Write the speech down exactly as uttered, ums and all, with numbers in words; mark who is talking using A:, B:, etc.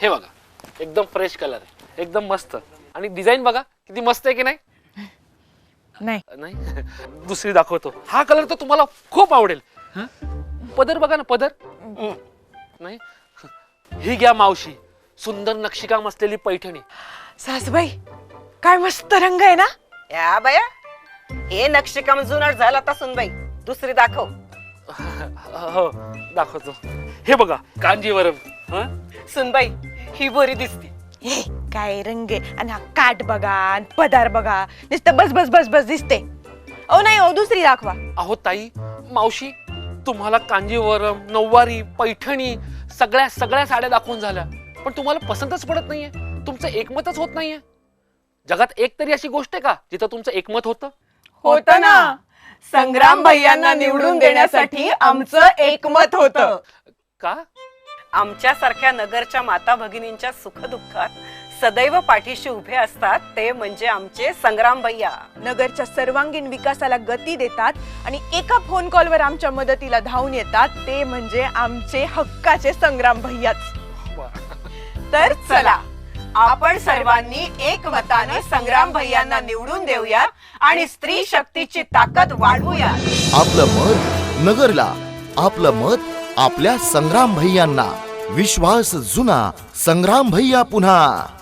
A: हे बघा, एकदम फ्रेश कलर आहे, एकदम मस्त. आणि डिझाईन बघा किती मस्त आहे की नाही?
B: नाही
A: नाही दुसरी दाखवतो. हा कलर तर तुम्हाला खूप आवडेल. पदर बघा ना, पदर. नाही, ही घ्या मावशी, सुंदर नक्षीकाम असलेली पैठणी.
B: सासूबाई काय मस्त रंग आहे ना.
C: या बया, हे नक्षीकाम जुनाट झाला आता सुनबाई. दुसरी दाखव.
A: हो दाखवतो. हे बघा कांजीवरम.
C: सुनबाई ही बरी दिसती.
B: हे काय रंग आहे. आणि हा काठ बघा आणि पदार बघा, नुसतं बस बस बस बस दिसते. ओ नाही ओ, दुसरी दाखवा.
A: अहो ताई, मावशी तुम्हाला कांजीवरम, नऊवारी, पैठणी सगळ्या सगळ्या साड्या दाखवून झाल्या, पण तुम्हाला पसंतच पडत नाहीये. तुमचं एकमतच होत नाहीये. जगात एक तरी अशी गोष्ट आहे का जिथं तुमचं एकमत होतं?
B: होत ना. संग्राम भैयांना निवडून देण्यासाठी आमचं एकमत होतं.
A: का?
C: आमच्यासारख्या नगरच्या माता भगिनींच्या सुखदुःखात सदैव पाठीशी उभे असतात ते म्हणजे आमचे संग्राम भैया.
B: नगरच्या सर्वांगीण विकासाला गती देतात आणि एका फोन कॉलवर आमच्या मदतीला धावून येतात ते म्हणजे आमचे हक्काचे संग्राम भैयाच. तर चला आपण सर्वांनी एकमताने संग्राम भैयांना निवडून देऊया आणि स्त्री शक्तीची ताकद वाढवूया.
D: आपलं मत नगरला, आपलं मत आपल्या संग्राम भैयांना. विश्वास जुना, संग्राम भैया पुन्हा.